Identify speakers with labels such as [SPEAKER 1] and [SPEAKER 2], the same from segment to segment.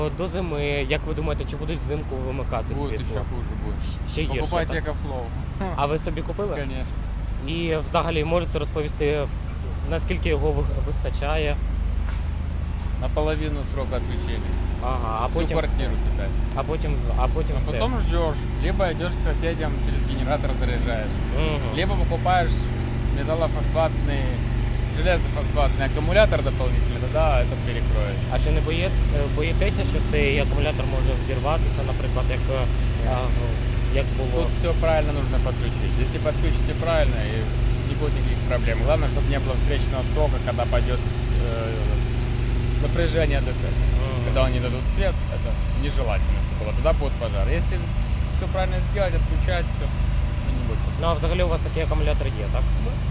[SPEAKER 1] До зими, як ви думаєте, чи будуть взимку вимикати
[SPEAKER 2] Будет
[SPEAKER 1] світло?
[SPEAKER 2] еще хуже будет.
[SPEAKER 1] Ще гірше,
[SPEAKER 2] Покупайте
[SPEAKER 1] так?
[SPEAKER 2] Экофлоу.
[SPEAKER 1] А ви собі купили?
[SPEAKER 2] Конечно.
[SPEAKER 1] І взагалі можете розповісти, наскільки його вистачає?
[SPEAKER 2] Наполовину срока отключения.
[SPEAKER 1] Ага, а
[SPEAKER 2] Всю
[SPEAKER 1] потім
[SPEAKER 2] квартиру питать.
[SPEAKER 1] А потім
[SPEAKER 2] А
[SPEAKER 1] все.
[SPEAKER 2] потом ждешь. Либо идешь к соседям, через генератор заряжаешь.
[SPEAKER 1] Мгм.
[SPEAKER 2] Либо покупаешь металлофосфатный, железофосфатный аккумулятор дополнительный, тогда это перекроет.
[SPEAKER 1] А чи не боїтеся, що цей акумулятор може взірватися, наприклад, як було?
[SPEAKER 2] Тут все правильно нужно подключить. Если подключите правильно, и не будет никаких проблем. Главное, чтобы не было встречного тока, когда пойдет напряжение ДТ. Когда они дадут свет, это нежелательно, чтобы было. Тогда будет пожар. Если все правильно сделать, отключать, все, не будет.
[SPEAKER 1] Ну а взагалі у вас такий акумулятор є, так?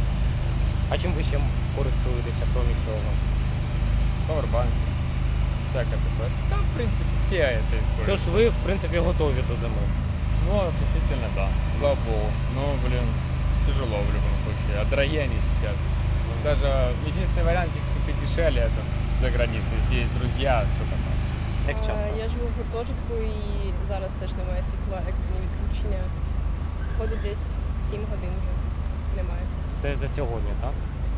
[SPEAKER 1] А чим ви ще користуєтеся, крім цього?
[SPEAKER 2] Powerbank, всякое такое. Да, в принципе, все это используют.
[SPEAKER 1] Тож ви, в принципі, готові до зими.
[SPEAKER 2] Ну, относительно, да. Слава богу. Но, блин, тяжело в любом случае. А дорогие они сейчас. Даже единственный вариант их купить дешевле это за границей. Если есть друзья, то там.
[SPEAKER 1] Як часто?
[SPEAKER 3] Я живу в гуртожитку і зараз теж немає світла, екстрені відключення. Ходить десь 7 годин вже немає.
[SPEAKER 1] Це за сьогодні, так?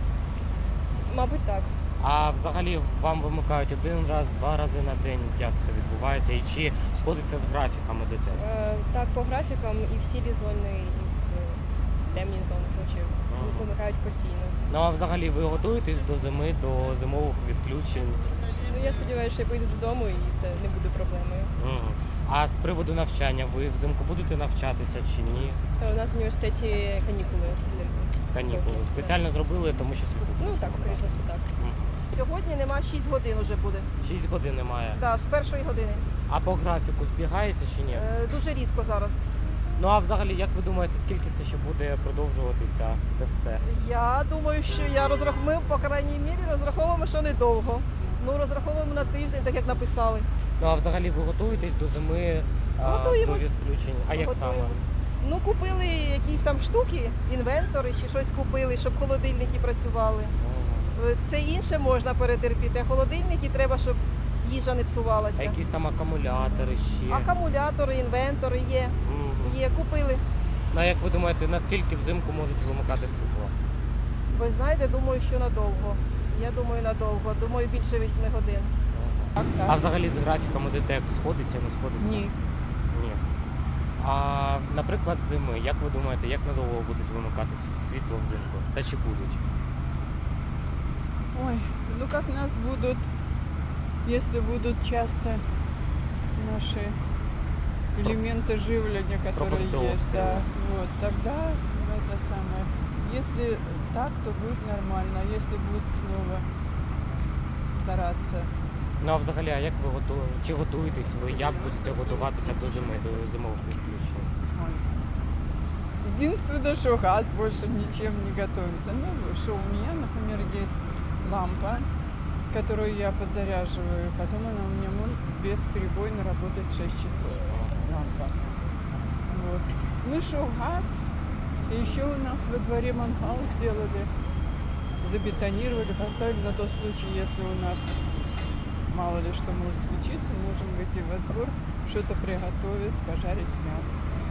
[SPEAKER 3] Мабуть, так.
[SPEAKER 1] А взагалі вам вимикають один раз, два рази на день, як це відбувається? І чи сходиться з графіками ДТ?
[SPEAKER 3] Так, по графікам і в сірі зони, і в темні зони, коротше, вимикають постійно.
[SPEAKER 1] Ну а взагалі ви готуєтесь до зими, до зимових відключень?
[SPEAKER 3] Ну, я сподіваюся, що я поїду додому і це не буде проблемою.
[SPEAKER 1] Мгм. А з приводу навчання, ви взимку будете навчатися чи ні?
[SPEAKER 3] У нас в університеті канікули взимку.
[SPEAKER 1] Канікули. Спеціально зробили, тому що світло.
[SPEAKER 3] Ну так, скоріш за все, так.
[SPEAKER 4] Сьогодні нема 6 годин уже буде.
[SPEAKER 1] 6 годин немає.
[SPEAKER 4] Да, з першої години.
[SPEAKER 1] А по графіку збігається чи ні?
[SPEAKER 4] Дуже рідко зараз.
[SPEAKER 1] Ну а взагалі, як ви думаєте, скільки це ще буде продовжуватися це все?
[SPEAKER 4] Я думаю, що ми, по крайній мірі, розраховуємо, що недовго. Ну, розраховуємо на тиждень, так як написали.
[SPEAKER 1] Ну а взагалі ви готуєтесь до зими, до
[SPEAKER 4] Готуємось.
[SPEAKER 1] відключень? А як саме?
[SPEAKER 4] Готуємо. Ну, купили якісь там штуки, інвентори чи щось купили, щоб холодильники працювали. Все інше можна перетерпіти, а холодильники треба, щоб їжа не
[SPEAKER 1] А
[SPEAKER 4] псувалася.
[SPEAKER 1] якісь там акумулятори ще?
[SPEAKER 4] Акумулятори, інвентори є.
[SPEAKER 1] Мгм.
[SPEAKER 4] Є, купили.
[SPEAKER 1] Ну а як ви думаєте, наскільки взимку можуть вимикати світло?
[SPEAKER 4] Ви знаєте, думаю, що надовго. Я думаю, надовго. Думаю, більше 8 годин. Так,
[SPEAKER 1] А взагалі з графіками ДТЕК сходиться, не сходиться?
[SPEAKER 4] Ні.
[SPEAKER 1] Ні. А наприклад, зими, як ви думаєте, як надовго будуть вимикати світло взимку? Та чи будуть?
[SPEAKER 5] Ой, ну как нас будут, если будут часто наши элементы живления, которые
[SPEAKER 1] Продуктовые.
[SPEAKER 5] есть, да, вот, тогда это самое. Если так, то будет нормально, а если будут снова стараться.
[SPEAKER 1] Ну а взагалі, а як ви чи готуєтесь ви, як будете готуватися до зими, до зимових відключень?
[SPEAKER 5] Ой. Единственное, что газ, больше ничем не готовимся. Ну, что у меня, например, есть лампа, которую я подзаряживаю, потом она у меня может бесперебойно работать 6 часов. Лампа. Вот. Ну что, газ. И еще у нас во дворе мангал сделали, забетонировали, поставили на тот случай, если у нас мало ли что может случиться, можем выйти во двор, что-то приготовить, пожарить мясо.